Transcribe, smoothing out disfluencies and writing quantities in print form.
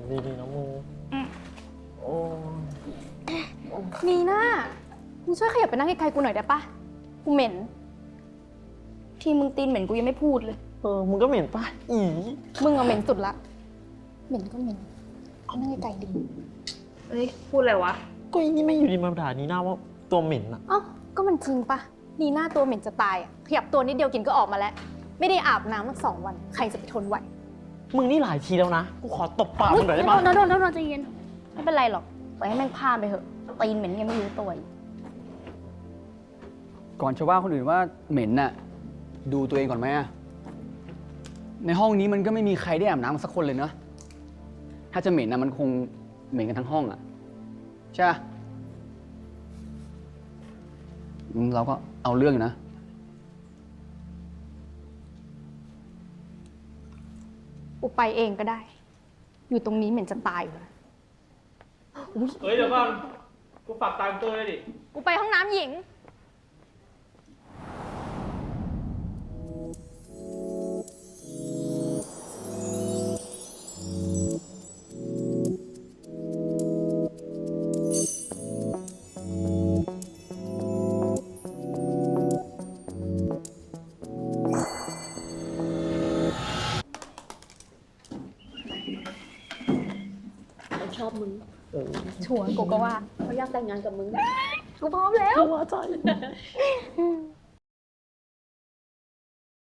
ดีๆนะมึงโอ้นีน่ามึงช่วยขยับไปนั่งไกลๆกูหน่อยได้ปะกูเหม็นที่มึงตีนเหม็นกูยังไม่พูดเลยมึงก็เหม็นป่ะอีมึงอะเหม็นสุดละ เหม็นก็เหม็นเอานั่งไกลๆดิเอ้ยพูดอะไรวะก็อีนี่ไม่อยู่ดีมาด่านีน่าว่าตัวเหม็นอะเอ้าก็มันจริงปะนีน่าตัวเหม็นจะตายอะขยับตัวนิดเดียวกินก็ออกมาแล้ว ไม่ได้อาบน้ำมา2 วัน ใครจะไปทนไหวมึงนี่หลายทีแล้วนะกูขอตบปากมึงหน่อยได้ไหมโดนใจเย็นไม่เป็นไรหรอกปล่อยให้แม่งพลาดไปเถอะตีนเหม็นยังไม่รู้ตัวอีกก่อนจะว่าคนอื่นว่าเหม็นน่ะดูตัวเองก่อนไหมอะในห้องนี้มันก็ไม่มีใครได้อาบน้ำสักคนเลยเนอะถ้าจะเหม็นนะมันคงเหม็นกันทั้งห้องอะใช่ปะเราก็เอาเรื่องอยู่นะกูไปเองก็ได้ อยู่ตรงนี้เหม็นจะตายอยู่แล้วเฮ้ยเดี๋ยวก่อนกูฝากตามตัวเลยดิกูไปห้องน้ำหญิงชอบมึงชัวร์กูก็ว่าเขาอยากแต่งงานกับมึงกูพร้อมแล้วว่าใจ